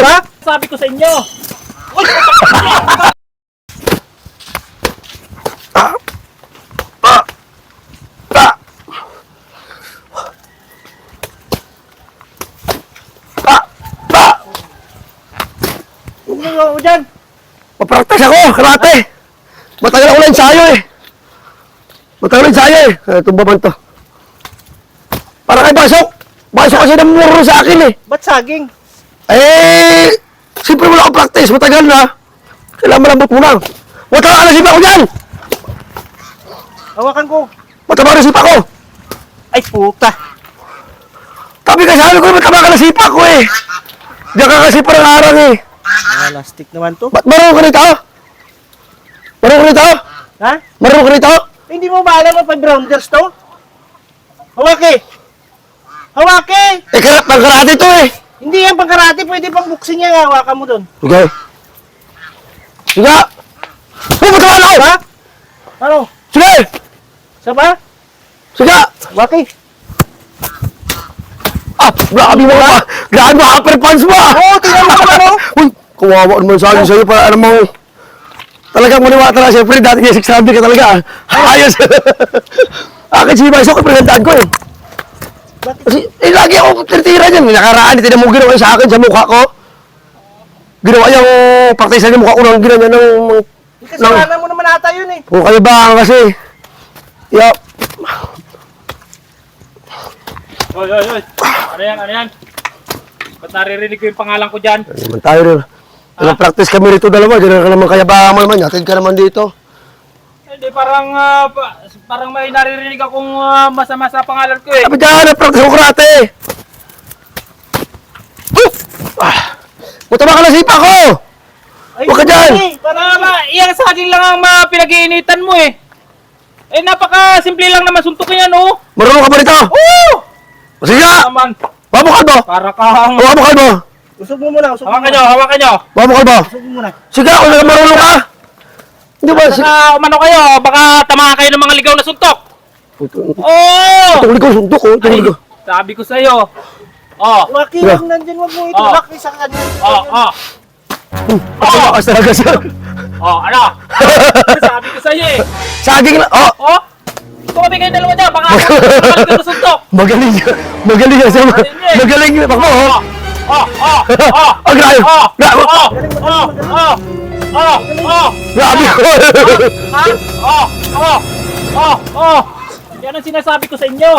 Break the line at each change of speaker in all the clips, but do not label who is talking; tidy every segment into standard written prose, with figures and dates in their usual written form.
Ha?
Sabi ko sa inyo. Uy!
Ano mo dyan? Papraktas ako, karate. Matagal ako na ensayo eh. Matagal na ensayo eh. Tumbaban to. Para kay Basok. Basok kasi namuro sa akin eh.
Ba't saging?
Eh, siyempre wala akong practice. Matagal na. Kailangan malambot muna. Mataba ka na sipa ko dyan.
Hawakan ko.
Mataba na sipa ko.
Ay, puta.
Tabi ka sabi ko, mataba ka na sipa ko eh. Diyan ka kasi parang arang eh.
Plastic naman to.
Ba't marunong ka nito? Marunong ka nito?
Ha?
Marunong ka nito?
Eh, hindi mo ba alam ang pag-grounders to? Hawaki! Hawaki!
Eh, pang-karate to eh.
Hindi yan pang-karate. Pwede pang boxing yan. Hawakan mo dun.
Sige. Sige. Mataba na ako.
Ha? Ano?
Sige.
Isa ba?
Sige.
Hawaki!
Grabe mo ka. Grabe mo, upper punch mo ah.
Oo, tingnan mo pala mo.
Uy, kawawa naman sa akin sa'yo para alam mo. Talagang maniwala talaga. Siyempre, dati niya 600 ka talaga. Ayos. Akin si Basok, pinagandaan ko eh.
Bakit?
Kasi, lagi ako titira dyan. Nakaraan, tinamong ginawa sa akin sa mukha ko. Ginawa yung praktisan yung mukha ko nang ginawa ng...
Kasalanan mo naman ata yun eh.
O kayo ba kasi? Yup.
Oy! Ano yan? Ano yan? Ba't naririnig ko yung pangalan ko dyan?
Ano naman tayo rin. Practice kami rito dalawa. Diyan ka naman kayabangan mo naman. Yatid ka naman dito.
Hindi, parang may naririnig akong masama sa pangalan ko eh.
Sabi dyan, practice ko karate. Mataba ka na sipa ko.
Ay,
Huwag ka dyan.
Iyang saging lang ang pinag-iinitan mo eh. Eh, napaka-simple lang naman suntukin yan oh.
Marunong ka ba rito?
Oo!
Sige nga.
Naman,
Babukal mo.
para kang...
Babukal mo.
Usog mo muna, usog mo
Hawakan
muna.
nyo, hawakan nyo.
Babukal mo.
Usog mo muna.
Sige, kung marunong ka. Hindi ba?
Baka umano kayo, baka tamaan kayo ng mga ligaw na suntok. Oo!
Tungli ko, sundok ko. Tungli ko.
Sabi ko sa'yo. Oh,
Hawaki
Yeah.
lang nandyan, wag mo itulak. Isa ka dyan.
Patawakas talaga siya.
ano? Sabi ko sa'yo eh.
Saging na. Oh.
Oh! Tumabi kayo dalawa dyan, baka ligaw na suntok.
Magaling siya. Magaling siya. Magaling. Bakmo. Oh, grabe. Grabe. Grabe.
Yan ang sinasabi ko sa inyo.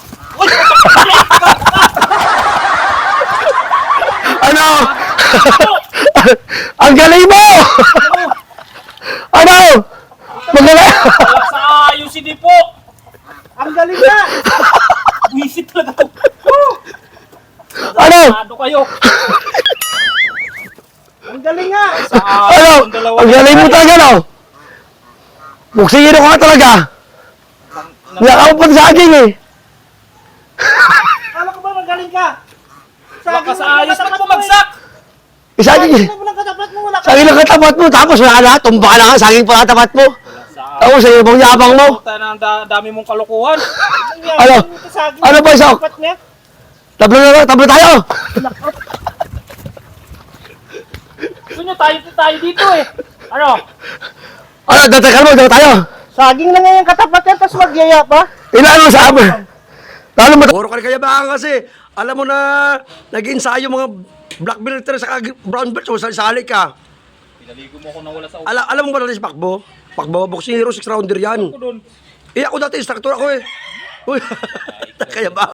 Ano? Ang galing mo! Ano? Magaling!
Sa UCD po.
Ang galing na!
Wisit talaga to.
Ano?
Ano kayo?
Ang galing nga!
Sa
Ano?
dalawa.
Ang galing mo talaga, no? Buksingin ako nga talaga. Nakakapot pa sa akin eh.
Kala ko ba magaling ka?
Baka sa ayos ba't bumagsak?
Isaging.
Saging mo lang katapat mo, wala ka.
Saging lang katapat mo. Tapos wala na. Tumba ka na nga. Saging pa katapat mo. Tapos sa ibang yabang mo.
Puta na ang dami mong kalokohan.
Ano? Ano ba, Isok?
Katapat niya?
Tablo na lang. Tablo tayo.
Gusto nyo tayo dito eh. Ano?
Ano? Tatakal mo. Tablo tayo.
Saging na nga yung katapat niya, tapos magyaya pa.
Ilan mo sa amin? Lalo mo. Puro ka rin kayabangan kasi. Alam mo na nag-ensayo mga black belt sa brown belt. So sali ka.
Pinaligo mo ako na wala sa ulo
Alam mo ba natin si Pakbo? Pakbo, boxing hero, 6 rounder yan.
ko doon.
Eh ako dati instructor ako eh. Uy, kaya ba?